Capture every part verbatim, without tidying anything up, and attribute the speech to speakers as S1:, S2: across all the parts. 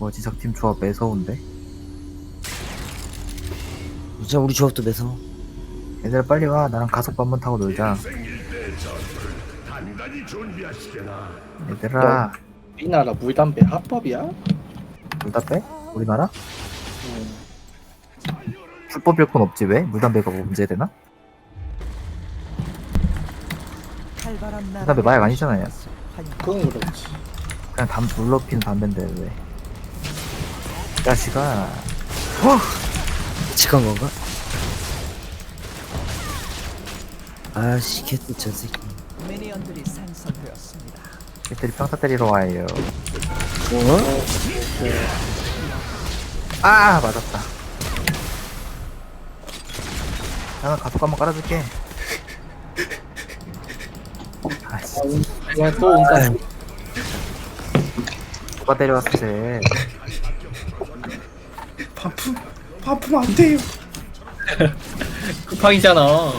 S1: 뭐지 적팀 조합 매서운데?
S2: 진짜 우리 조합도 매서.
S1: 얘들아 빨리 와. 나랑 가속 한번 타고 놀자. 얘들아
S3: 우리나라 물담배 합법이야?
S1: 둘 다 빼? 우리나라? 불법일 건 없지 왜? 물담배가 문제되나? 물담배 마약 아니잖아요.
S3: 그건 그렇지.
S1: 그냥 담 물러 피는 담배인데 왜? 이 자식아.
S2: 직한 건가? 아씨 개또 저 새끼.
S4: 미니언들이 생성되었습니다.
S1: 얘들이 평타 때리러 와요.
S2: 뭐?
S1: 아 맞았다. 나는 가속 한번 깔아줄게. 아씨
S3: 야, 또 온다.
S1: 누가 때려왔어 쟤.
S5: 반품 반품 안 돼요.
S3: 쿠팡이잖아.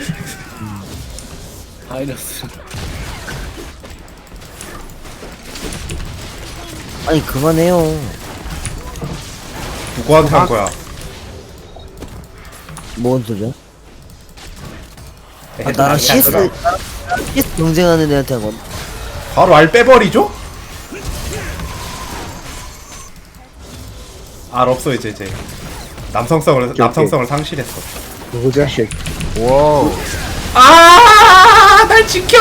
S3: 바이러스.
S2: 아니 그만해요.
S5: 누구한테 한 거야?
S2: 뭔 소리야? 아,
S5: 애들
S2: 나랑
S5: 많이
S2: 씨에스
S5: 하더라.
S2: 씨에스 경쟁하는 애한테 한 건.
S5: 바로 알 빼버리죠? 알 없어 이제 이제 남성성을 남성성을 상실했어.
S6: 그거 자식.
S1: 와우.
S5: 아, 날 지켜!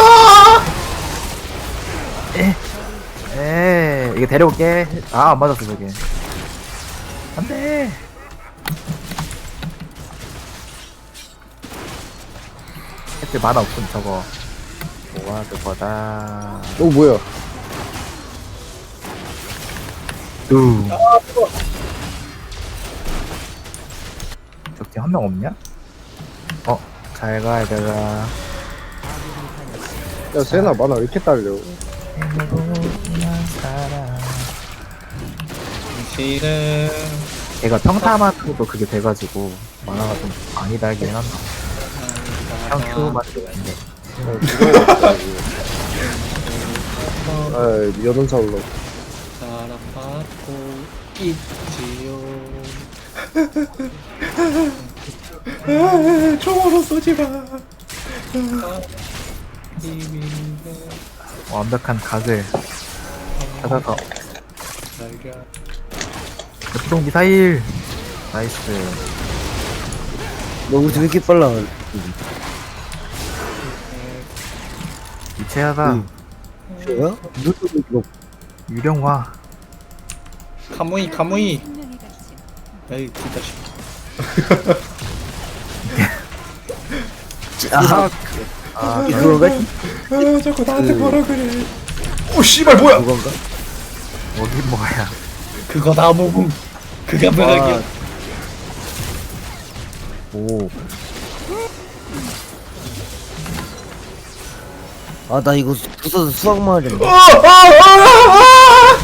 S1: 에 이거 데려올게. 아 안 맞았어 저게. 안돼. 애들 만화 없음 저거. 뭐야 그거다.
S6: 어 뭐야?
S1: 두. 저기 한 명 없냐? 어, 잘 가, 얘들아.
S6: 야 세나 만화 왜 이렇게 딸려?
S3: 실은
S1: 얘가 평타만으로도 그게 돼가지고, 만화가 좀 많이 달긴 한다. 평큐만 되는데.
S6: 아 여론사 올라.
S3: 사랑받고 있지요.
S5: 아, 총으로 쏘지 마.
S3: 비밀의
S1: 완벽한 각을 찾아서.
S3: 날개.
S1: 역동 미사일! 나이스.
S2: 너 우리 왜 이렇게 빨라?
S1: 유체하다.
S2: 응. 뭐야? 누구 이거?
S1: 유령화.
S3: 카무이 카무이. 에이 진짜 싫어.
S2: 아,
S1: 아,
S2: 그건가?
S5: 아, 자꾸 나한테 뭐라 그래. 오 씨발 뭐야?
S2: 그건가?
S1: 뭐긴 뭐야.
S3: 그거 다 모금. 그게 뭐야?
S1: 오.
S2: 아 나 이거 부서서 수학 마을인데.
S5: 아, 아, 아, 아!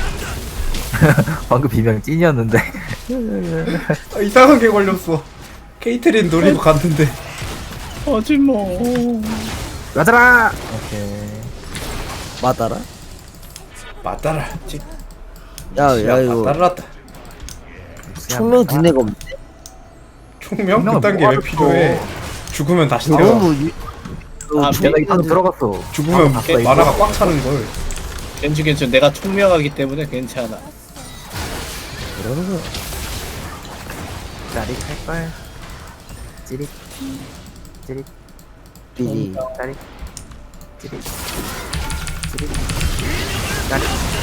S1: 방금 비명 찐이었는데.
S5: 아, 이상한 게 걸렸어. 케이트린 노리고 갔는데.
S3: 하지 뭐.
S1: 가자라! 오케이.
S2: 맞아라?
S5: 맞따라.
S2: 야야 이거
S5: 맞따라다.
S2: 총명 든 애가 없네.
S5: 총명
S1: 총명은
S5: 그딴 게 왜
S1: 뭐가
S5: 필요해? 죽으면 다시 태어.
S2: 너무 유...
S3: 아,
S2: 총-
S1: 내가 이거 들어갔어.
S5: 죽으면
S1: 봤어, 이거.
S5: 만화가 꽉 차는 걸.
S3: 괜찮 괜찮. 내가 총명하기 때문에 괜찮아.
S2: 그러는 거야.
S1: 짜릿할걸. 찌릿. 찌릿.
S2: 비리.
S1: 짜릿. 찌릿. 찌릿. 짜릿.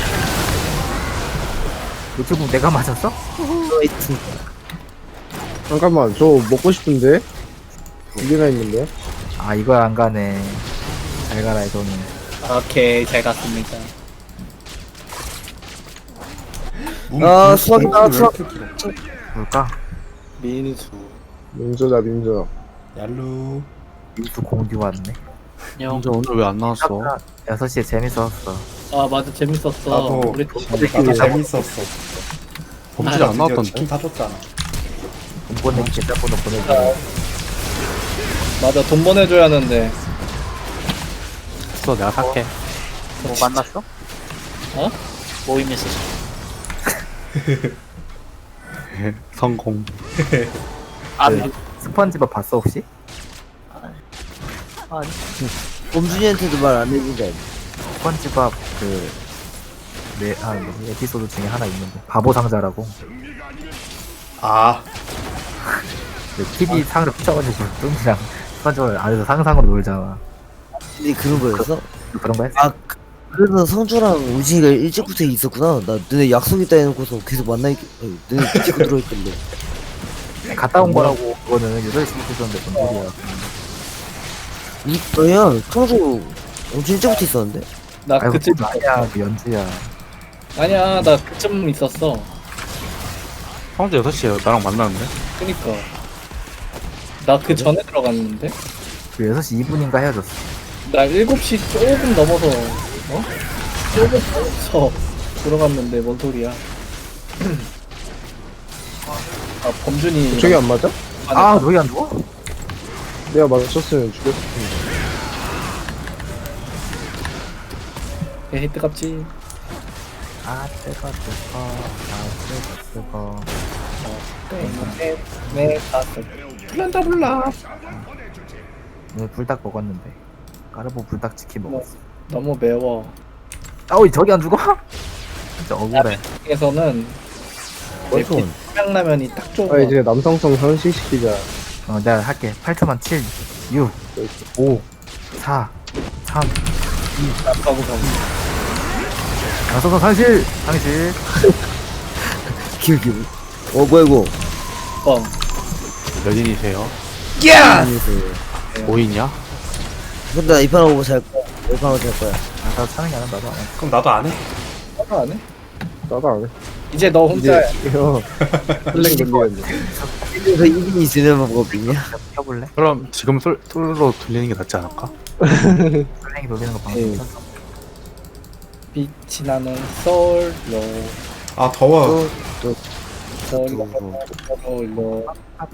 S1: 노트북 내가 맞았어?
S2: 하여튼
S6: 잠깐만 저 먹고 싶은데 두 개나 있는데.
S1: 아 이걸 안 가네. 잘 가라 이거는.
S3: 오케이 잘 갔습니다.
S2: 아, 수학이다, 수학.
S1: 뭘까?
S3: 민수.
S6: 민조다 민조.
S5: 얄루.
S1: 민수 공듀 왔네.
S7: 진짜 오늘 왜 안 나왔어?
S1: 아까 여섯 시에 재밌었어.
S3: 아 맞아 재밌었어.
S5: 나도
S3: 우리
S5: 나도 재밌었어.
S7: 범죄 안 나왔던데?
S5: 치킨 사줬잖아.
S1: 돈 보내기 계좌번호 보내줘.
S3: 맞아 돈 보내줘야 하는데.
S7: 있어, 내가 살게.
S4: 뭐 만났어?
S3: 어?
S4: 모임에서
S7: 성공.
S1: 그 스펀지밥 봤어 혹시?
S2: 범준이한테도 말 안 해준다.
S1: 스펀지밥 그 네, 아, 뭐지? 에피소드 중에 하나 있는데 바보 상자라고
S5: 아
S1: 그 티비 상으로 붙여가지고 뚱이랑 스펀지밥을 안에서 상상으로 놀잖아.
S2: 근데 그런 거였어?
S1: 그런 거 했어?
S2: 아 그- 그래서 성주랑 우진이가 일찍부터 있었구나. 나 너네 약속 있다 해놓고서 계속 만나 있. 아니, 너네 찍고 들어있던데.
S1: 갔다 온 거라고. 그거는 여덟 시 붙였는데 뭔 소리야.
S2: 이 너야 성주 엄청 일찍부터 있었는데.
S3: 나
S1: 아이고
S3: 그쯤
S1: 그건 아니야 그 연주야.
S3: 아니야 나 그쯤 있었어.
S7: 형제 여섯 시에 나랑 만나는데?
S3: 그니까 나 그 전에 들어갔는데
S1: 그 여섯 시 이 분인가 헤어졌어.
S3: 나 일곱 시 조금 넘어서 어? 조금 넘어서 들어갔는데 뭔 소리야? 아 범준이
S6: 저기 안 맞아?
S1: 아 너희 안 죽어?
S6: 내가 맞췄으면 죽였을 텐데.
S3: 에이 뜨겁지.
S1: 아 뜨거 뜨거 아 뜨거 뜨거.
S3: 네네 다섯. 불난다 불나.
S1: 오늘 불닭 먹었는데 까르보 불닭 치킨 먹었어.
S3: 너무 매워.
S1: 아우 저기 안 죽어? 진짜 억울해.
S3: 에서는
S2: 어이구.
S3: 평양라면이 딱 좋은
S6: 아
S3: 거.
S6: 이제 남성성 현실시키자.
S1: 어 내가 할게. 팔 초만 칠, 육, 오, 사, 삼.
S3: 아까고 봐.
S1: 양서서 상실! 상실!
S2: 기울기. 어 뭐야 이거?
S3: 뻥.
S7: 몇인이세요?
S5: 야!
S7: 오 인이야?
S2: 근데 나 이판하고 잘 거야. 이판하고 잘 거야.
S1: 아, 나도 차는 게 아니라 나도 안 해.
S5: 그럼 나도 안 해.
S3: 하나 안 해?
S6: 나도 안 해.
S3: 이제 너 혼자야.
S6: 이제 형 플랭 돌리겠네.
S2: 그래서 이분이 지내는 방법이냐?
S1: 켜볼래?
S7: 그럼 지금 솔, 솔로 돌리는 게 낫지 않을까?
S1: 플랭이 돌리는 거 방금
S2: 예.
S1: 켰어.
S3: 빛이 나는 솔로
S5: 아 더워.
S3: 솔로 솔로.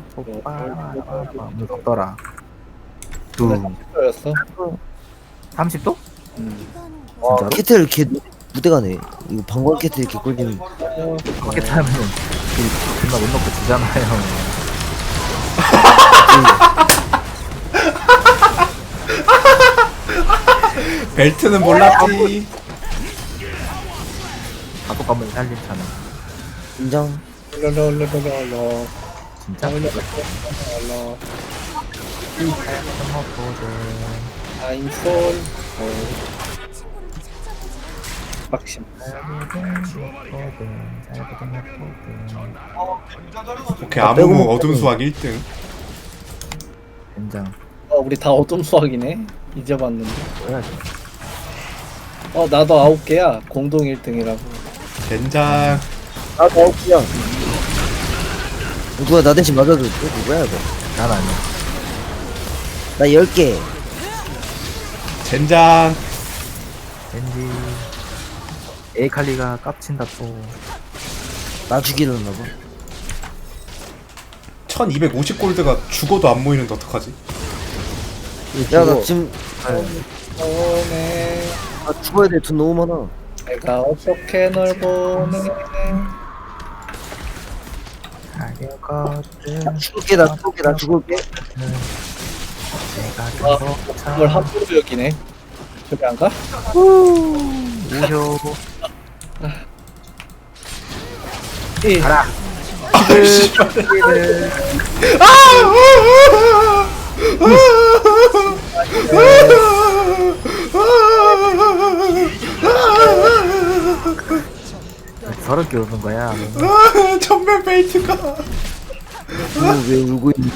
S1: 오늘 덥더라. 두,
S3: 솔로였어?
S1: 삼십 도?
S3: 음.
S2: 와
S1: 진짜로?
S2: 캐틀 개 무대가네. 이거 방광 캐틀 개 꿀잼.
S1: 그렇게 타면 그 존나 못 넣고 주잖아요.
S5: 벨트는 몰랐지.
S1: 바꿔 가면 살림잖아.
S2: 인정.
S3: 솔로로로로로.
S1: 진짜?
S3: 솔로로로로.
S1: 먹거든.
S3: I'm soul. 박심.
S5: 오케이 아무 어둠 수학 일 등.
S1: 된장.
S3: 어 우리 다 어둠 수학이네. 잊어봤는데.
S1: 뭐야?
S3: 어 나도 아홉 개야. 공동 일 등이라고.
S5: 젠장.
S2: 아 더욱이야. 누가 나 대신 맞아줘. 이거 누구야 이거?
S1: 난 아니야.
S2: 나 열 개.
S5: 젠장.
S1: 왠지 에이칼리가 깝친다 또.
S2: 나 죽이려나 봐.
S5: 천이백오십 골드가 죽어도 안 모이는데 어떡하지?
S2: 야 나 지금
S3: 보네.
S2: 나 죽어야 돼. 돈 너무 많아.
S3: 내가 어떻게 널 보내?
S1: 가려거든.
S2: 죽을게 나 죽을게 나 죽을게.
S1: 내가
S3: 아, 그걸 함부로 여기네. 저기 안 가?
S1: 우효.
S3: 이
S1: 가라.
S5: 아 씨발.
S1: 저렇게 오는 거야.
S5: 아, 전면 벨트가.
S2: 이거 왜 울고 있니?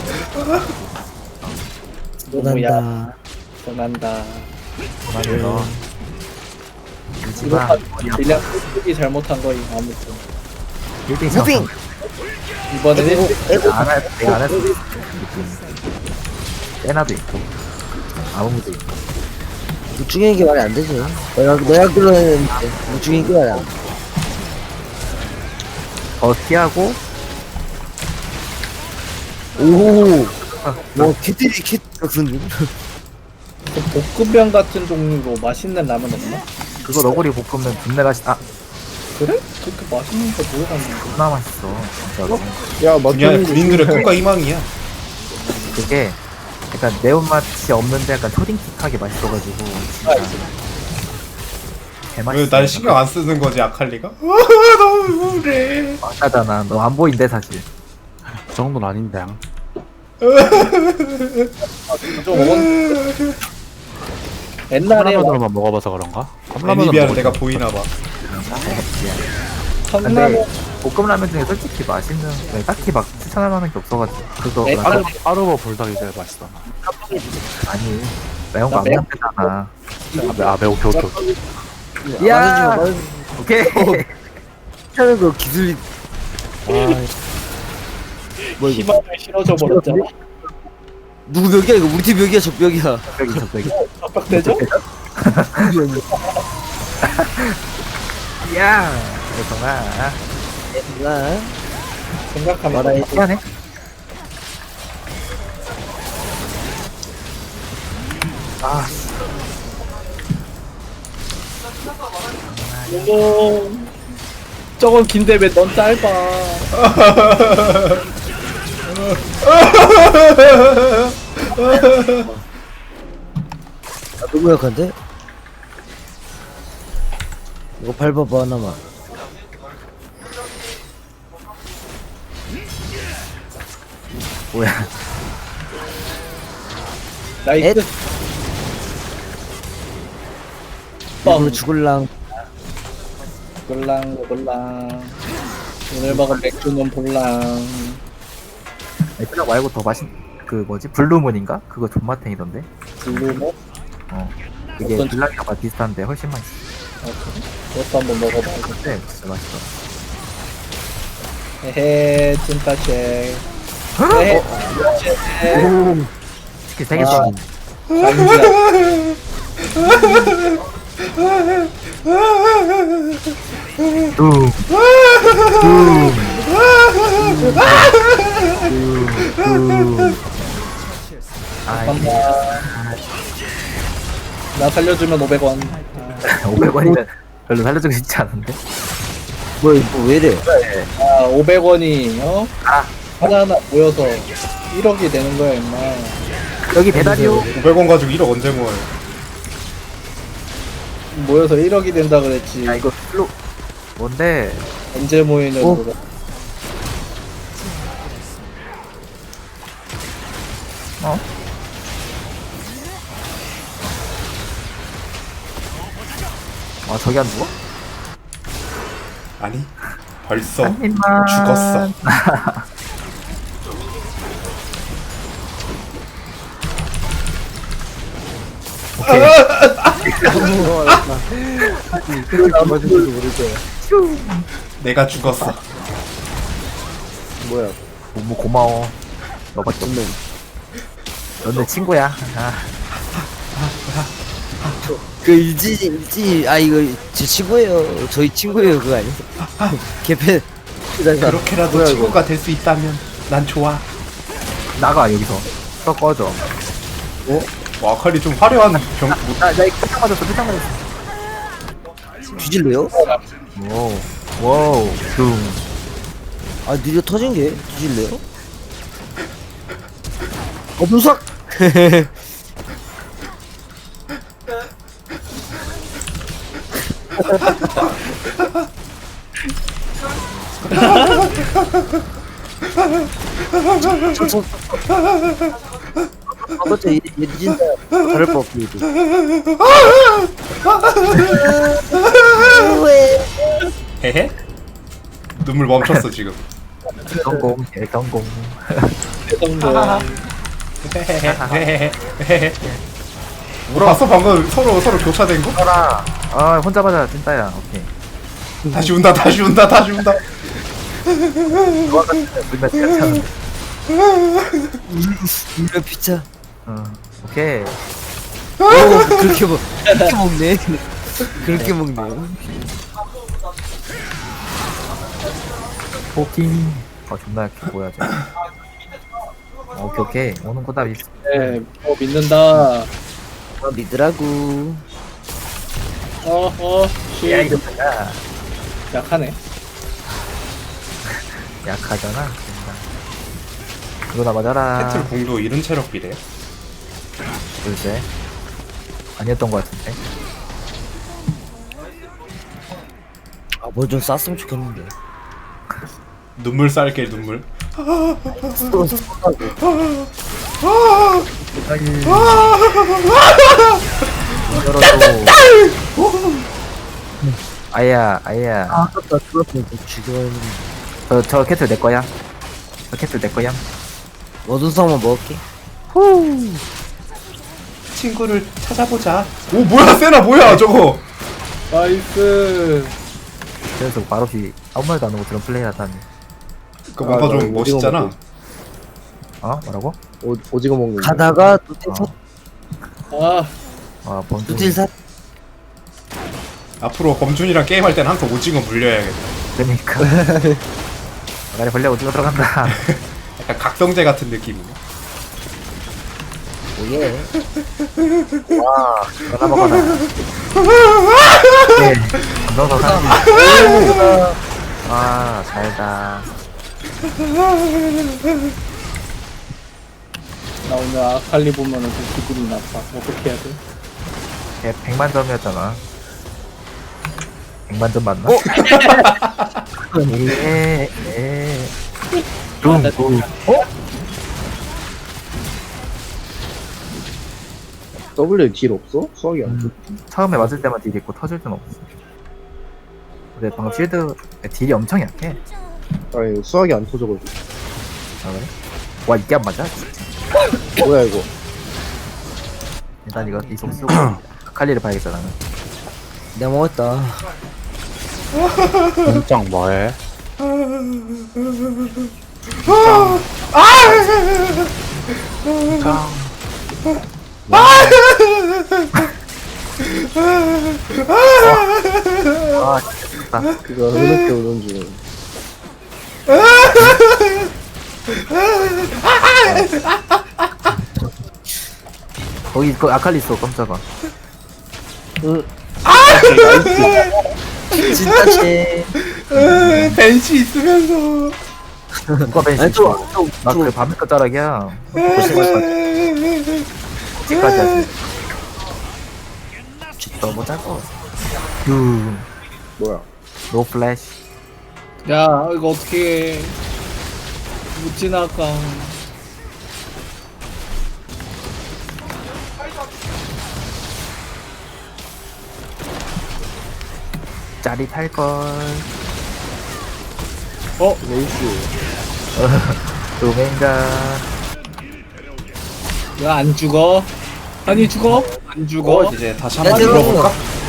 S3: 너무야.
S2: 난다.
S3: 전한다.
S1: 그만해서.
S3: 이거
S1: 울지마.
S3: 다 그냥 이 잘못한 거임 아무튼.
S1: 일 등
S2: 무빙.
S3: 이번에는
S2: 에고 에고.
S1: 안 할, 내가 안 했어. 느낌. 세나도 있고. 아무무도 있고.
S2: 무중인 게 말이 안 되지. 내가 내가 끌어내는데 무중인 게 말이 안 돼.
S1: 더 피하고.
S2: 오. 와 캐틀이 캐 같은.
S3: 그 볶음면 같은 종류로 맛있는 라면 없나?
S1: 그거 너구리 볶으면 분내 맛이, 아,
S3: 그래? 그렇게 맛있는 거 모르겠는데.
S1: 존나 맛있어 진짜로.
S6: 야
S5: 그냥
S6: 맞췄는데
S5: 군인들의 꿈과 희망이야.
S1: 그게 약간 매운맛이 없는데 약간 초딩틱하게 맛있어가지고 진짜
S5: 왜
S1: 개맛있어.
S5: 날 신경 안 쓰는 거지 아칼리가? 아, 너무 그래.
S1: 맞다잖아. 너 안 보인대 사실.
S7: 그 정도는 아닌데 양.
S3: 좀 먹은 옛날에
S7: 컵라면으로만 먹어봐서 그런가? 컵라면은
S5: 애니비아는
S7: 먹을
S5: 내가
S7: 수
S5: 보이나 봐.
S1: 근데
S3: 컵라면
S1: 볶음라면 중에 솔직히 맛있는 네, 딱히 막 추천할 만한 게 없어가지고 그거
S3: 네,
S1: 나-
S7: 빠르, 빠르버 불닭이 제일 맛있다.
S1: 아니 매운
S3: 나
S1: 거안
S3: 매운
S1: 먹잖아.
S7: 아, 매, 아 매우 오케이 오케이 오케이.
S1: 야!
S2: 말해주지
S1: 오케이.
S2: 하는 거 기술이. 아, 뭐 이거
S3: 희망을 실어줘 버렸잖아.
S2: 누구 벽이야 이거? 우리 팀 벽이야 저 벽이야.
S1: 저기 저기.
S3: 압박되죠?
S1: 야! 그래서가
S2: 나
S3: 생각하면
S2: 말아야 돼.
S1: 미안해. 아,
S3: 어머, 저건 긴데 왜 넌 짧아?
S2: 아, 너무 약한데? 이거 밟아봐 하나만.
S1: 뭐야?
S3: 나이스.
S2: 엣.
S3: 뻥.
S2: 이거 죽을랑.
S3: 골랑 골랑. 오늘 먹은 맥주는 볼랑.
S1: 아니, 그냥 말고 더 맛있 그 뭐지 블루문인가? 그거 존맛탱이던데.
S3: 블루모?
S1: 어. 이게
S3: 어떤-
S1: 블락이랑 맛 비슷한데 훨씬 맛있어.
S3: 아, 그래? 그것도 한번 먹어봐.
S1: 근데 진짜 맛있어.
S3: 헤헤 찐따쉐. 헤헤 찐따쉐.
S1: 치킨 세개
S3: 아.
S1: 써.
S3: 강지야.
S1: 둠. 둠. 둠. 둠. 아, 이게
S3: 나 살려주면 오백 원.
S1: 오백 원이면 별로 살려주고 싶지 않은데.
S2: 뭐야 이거 왜 이래?
S3: 아, 오백 원이 어?
S1: 아.
S3: 하나하나 모여서 일억이 되는 거야, 임마.
S1: 여기 배달이요.
S5: 오백 원 가지고 일억 언제 모아요?
S3: 모여서 일억이 된다 그랬지.
S1: 야 이거 플로 뭔데?
S3: 언제 모이는
S2: 어?
S3: 거가.
S1: 어? 아 저기 안 죽어?
S5: 아니 벌써
S1: 한 입만.
S5: 죽었어.
S6: 그걸 맞은지도 모를 거야.
S5: 내가 죽었어.
S6: 뭐야?
S1: 뭐, 뭐 고마워. 너밖에 없네. 너네 친구야. 아,
S2: 그 일지 일지 아 이거 제 친구예요. 저희 친구예요 그거 아니야? 개팬.
S5: 그렇게라도
S6: 뭐야, 이거?
S5: 친구가 될 수 있다면 난 좋아.
S1: 나가 여기서. 또 꺼져.
S5: 와 아칼리 좀 화려한 병. 뭐,
S1: 나, 나 이거 표창 맞았어. 표창 맞았어.
S2: 뒤질래요?
S1: 와우. 와우. 둠.
S2: 아 느려 터진 게 뒤질래요? 어 분석. 어째 얘 진짜 다를 거 없고 이거.
S5: 헤헤. 눈물 멈췄어 지금.
S1: 성공. 예, 성공.
S3: 대성공.
S5: 헤헤헤. 헤헤헤. 봤어 방금 서로 서로 교차된 거?
S1: 떠라. 아 혼자 맞아 진짜야. 오케이.
S5: 다시 운다 다시 운다 다시 운다.
S1: 물면 괜찮은데.
S2: 이런 피자.
S1: 어. 오케이.
S2: 오 그렇게 먹 그렇게 먹네. 그렇게 먹네.
S1: 포킹. 아 존나 약해 보여야지. 오케이 오케이 오는 거다. 미-
S3: 네, 어, 믿는다.
S2: 어, 믿으라고.
S3: 어, 어,
S1: 야
S3: 씨.
S1: 이거 뭐야?
S3: 약하네.
S1: 약하잖아. 이거나 맞아라.
S5: 캐틀 궁도 이른 체력 비례.
S1: 글쎄. 아니었던 것 같은데.
S2: 아, 뭘 좀 쌌으면 좋겠는데.
S5: 눈물 쌀게 눈물.
S2: 쏘, 쏘라고.
S1: 열어도. 아야, 아야.
S2: 아, 아깝다. 죽었으면 좀 죽여야 했는데.
S1: 저, 저 캐틀 내 거야. 저 캐틀 내 거야.
S2: 어두운 상만 먹을게.
S5: 친구를 찾아보자. 오 뭐야 세나 뭐야 저거.
S3: 나이스.
S1: 그래서 말없이 아무 말도 안 하고 저런 플레이 하다니.
S5: 그 뭔가
S6: 아, 나
S5: 좀
S6: 이거
S5: 멋있잖아.
S6: 먹고.
S1: 어? 뭐라고?
S6: 오, 오징어 먹는 거.
S2: 가다가 뚜딜 사,
S3: 아,
S1: 아, 범주.
S2: 뚜딜 사.
S5: 앞으로 범준이랑 게임할 땐 항상 오징어 물려야겠다.
S1: 그러니까. 아가리 벌레 오징어 들어간다.
S5: 약간 각성제 같은 느낌이네.
S2: 오예.
S1: 와, 전화 먹어라. 네, 감동서 사는 아, 잘다.
S3: 나 오늘 아칼리 보면은 좀 기분이 나빠. 어떻게 해야 돼?
S1: 걔 백만 점이었잖아. 백만 점 맞나? 예, 예. 둥, 둥. 어?
S6: W 딜 없어? 수학이 안 돼.
S1: 처음에 맞을 때만 딜이 있고 터질 땐 없어. 근데 방금 쉴드 딜이 엄청 약해.
S6: 아니, 수학이 안 터져가지고.
S1: 아, 그래? 와, 이게 안 맞아?
S6: 뭐야, 이거.
S1: 일단 이거 이속 쓰고 칼리를 봐야겠다 나는.
S2: 내가 먹었다.
S7: 공짱 뭐해? 공짱.
S1: 아, 진짜 좋다.
S6: 그거 흐느껴 오는 중.
S1: 거기 그 아칼리 있어 깜짝아.
S2: 진짜 쟤.
S5: 벤시 있으면서.
S1: 누가 벤시
S2: 아니, 또,
S1: 있어?
S2: 또,
S1: 나
S2: 또.
S1: 그 밤늦게 자락이야. 지까지 하지. 너무 짧아. 유,
S6: 뭐야.
S1: 노 플래시.
S3: 야, 이거 어떻게 못 지나가.
S1: 짜릿할 걸.
S3: 어,
S6: 레이스.
S1: 도맨가.
S3: 야, 안 죽어? 아니, 죽어? 안 죽어?
S5: 어 이제 다시 한번
S2: 야, 들어가.
S5: 물어볼까?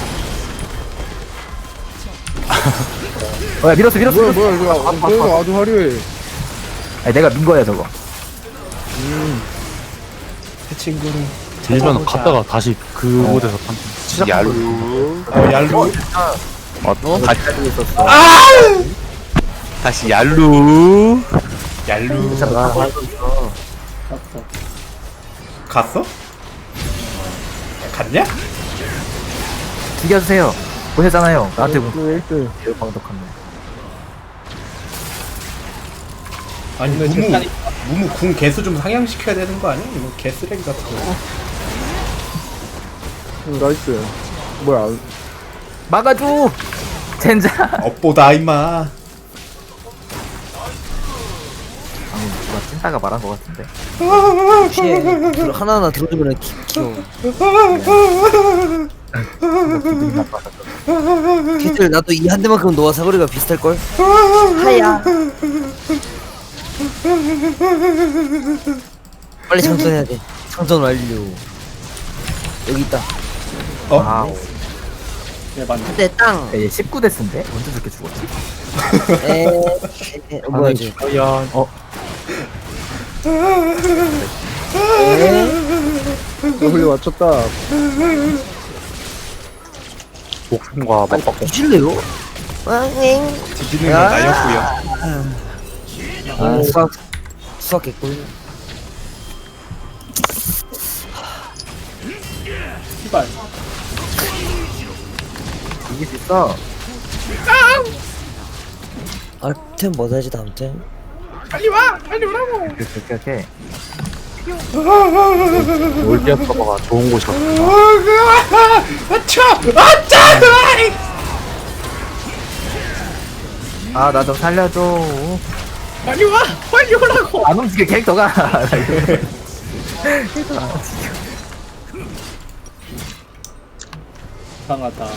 S1: 어, 야 밀었어 밀었어.
S6: 뭐야,
S1: 밀었어.
S6: 뭐야, 이거. 아, 이거 아주 화려해.
S1: 아니 내가 민 거야 저거.
S5: 그 친구를
S7: 들면
S5: 찾아보자.
S7: 갔다가 다시 그 곳에서 판- 시작한 거야.
S5: 어 얄루.
S7: 어? 다시,
S1: 가지고 있었어.
S7: 다시 얄루.
S5: 얄루.
S1: 진짜 나 알고 있어.
S3: 갔어.
S5: 갔어? 갔냐?
S1: 죽여주세요. 보셨잖아요. 나한테 뭐
S6: 레이스.
S1: 방독한네.
S5: 아니
S3: 오늘
S5: 무무
S3: 재판이-
S5: 무무 궁 개수 좀 상향시켜야 되는 거 아니야? 이거 개쓰레기 같은 거.
S6: 음, 나이스. 뭐야.
S1: 막아줘. 젠장.
S5: 업보다 임마.
S1: 방금 누가 찐따가 말한 것 같은데.
S2: 피해. 들어- 하나하나 들어주면 키, 키워.
S1: 기분이 나빠서.
S2: 키들 나도 이 한 대만큼 너와 사거리가 비슷할걸? 하야. 빨리 장전해야 돼. 장전 완료. 여기 있다.
S5: 어?
S1: 와우.
S3: 네, 맞네.
S2: 한 대 땅.
S1: 야, 얘 십구 대스인데? 언제 저렇게 죽었지?
S2: 에. 에, 어, 뭐야 이제.
S7: 과연 어
S6: W 맞췄다.
S7: 목숨과
S2: 아니
S7: 맞바꿔.
S2: 뒤질래요? 왕잉.
S5: 뒤지는 건 나였고요.
S2: 아 수학 수학 개꿀.
S3: 씨발.
S1: 이길 수 있어.
S2: 아템 뭐 사지 다음 템?
S5: 빨리 와 빨리 오라고.
S1: 오케이 오케이 오케이.
S7: 올디아 서버가 좋은 곳이거든요.
S5: 아차 아차.
S1: 아 나 좀 살려줘.
S5: 빨리 와 빨리 오라고.
S1: 안 움직여 캐릭터가. 캐릭터가 안 움직여.
S3: 이상하다.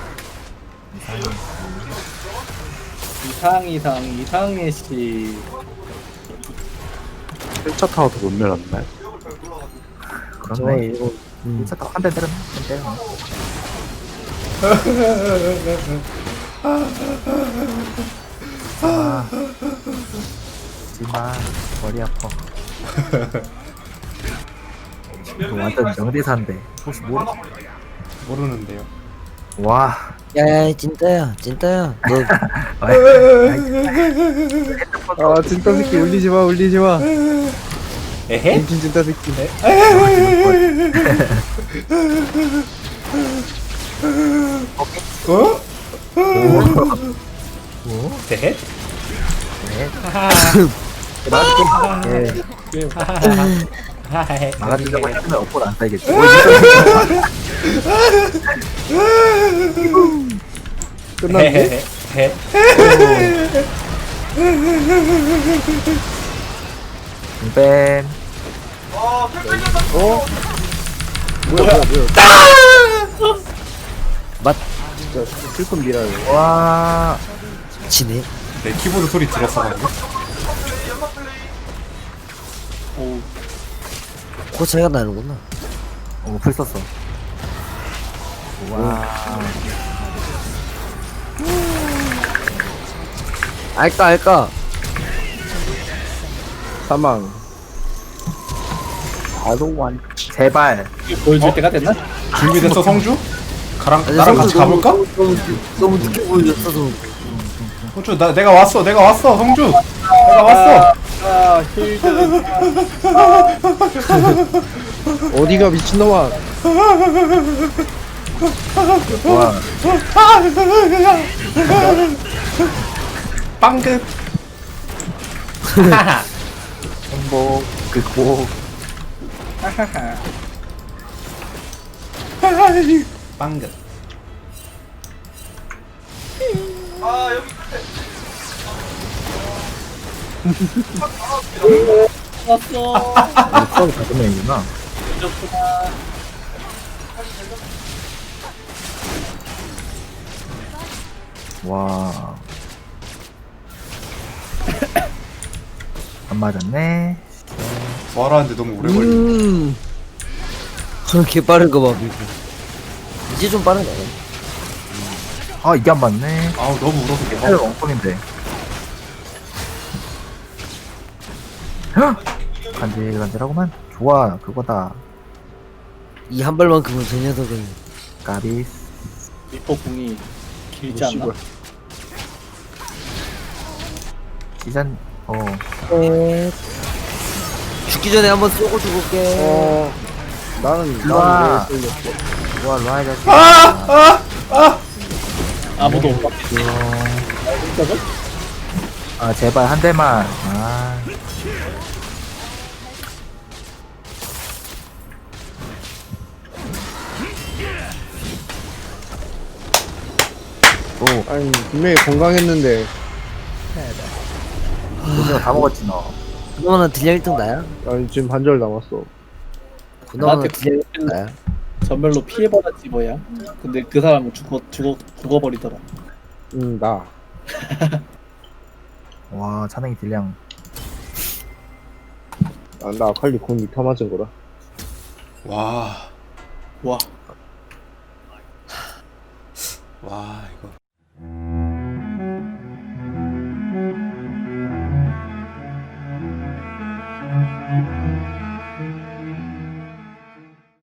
S3: 이상 이상 이상해 씨.
S7: 일 차 타워도 못 내렸네.
S2: 저에
S1: 그렇네.
S2: 이거 음.
S1: 진짜 한대 때렸네. 한대 때렸네. 아, 하지마 머리 아파. 이거 완전 명대사인데 혹시 모르?
S5: 모르는데요.
S1: 와.
S2: 야야 찐따야 찐따야 너
S1: 아이,
S6: 아 진짜 새끼 울리지 마 울리지 마.
S5: 에헤.
S6: 임신 진짜 새끼.
S5: 어?
S1: 뭐?
S5: 에헤.
S1: 네. 맞게. 예.
S5: 하하하.
S1: 막아주려고 했으면 업보를 안 살겠지.
S6: 끝났네.
S5: 헤헤헤.
S1: 뱀.
S6: 뭐야 뭐야 뭐야. 진짜 슬픈 미라요.
S1: 와.
S2: 지네.
S5: 내 키보드 소리 들었어 방금.
S3: 오
S2: 그 차이가 나는구나.
S1: 어, 풀 썼어. 와.
S2: 알까 알까.
S6: 사망.
S1: 아동완. 제발.
S3: 보여줄 때가 됐나?
S5: 준비됐어 성주? 가랑
S2: 아니,
S5: 나랑
S2: 성주
S5: 같이
S2: 너무-
S5: 가볼까?
S2: 너무, 너무, 너무 늦게 보여줬어. 너.
S5: 성주 나 내가 왔어 내가 왔어 성주. 내가 왔어.
S3: 아 힐드.
S6: 어디가 미친놈아.
S1: 와.
S5: 빵긋.
S1: 행복. 극복.
S5: 빵긋.
S3: 왔어.
S1: 아, 수업이 다섯 명이구나. 와. 안 맞았네.
S5: 말하는데 너무 오래 걸려.
S2: 음. 개 빠른 거 봐, 밀고. 이제 좀 빠르네.
S1: 아, 이게 안 맞네.
S5: 아우 너무 울어서 못
S1: 헤어
S5: 봐.
S1: 엉뚱인데. 헉! 간질간질하구만. 좋아, 그거다.
S2: 이 한 발만큼은 저 녀석은
S1: 까비스.
S3: 리퍼 궁이 길지 않나?
S1: 시전, 어.
S2: 에... 죽기 전에 한번 쏘고 죽을게.
S6: 어 나는
S1: 일로와.
S6: 나는 왜 쏠렸어.
S1: 좋아, 로아 자식.
S5: 아! 아!
S3: 아무도 못 봤어.
S1: 아, 제발 한 대만. 아. 또,
S6: 아니 분명히 건강했는데.
S1: 우리가 다 먹었지, 너.
S2: 그나마나 딜량 일 등 나야?
S6: 아니 지금 반절 남았어.
S2: 그나마나
S3: 나한테
S2: 딜량 일 등 나야?
S3: 전멸로 피해받았지 뭐야. 근데 그 사람은 죽어 죽어 죽어버리더라.
S6: 응 나.
S1: 와, 찬행이 딜량.
S6: 아, 나 아칼리 공 이타 맞은 거라.
S5: 와.
S3: 와.
S5: 와 이거.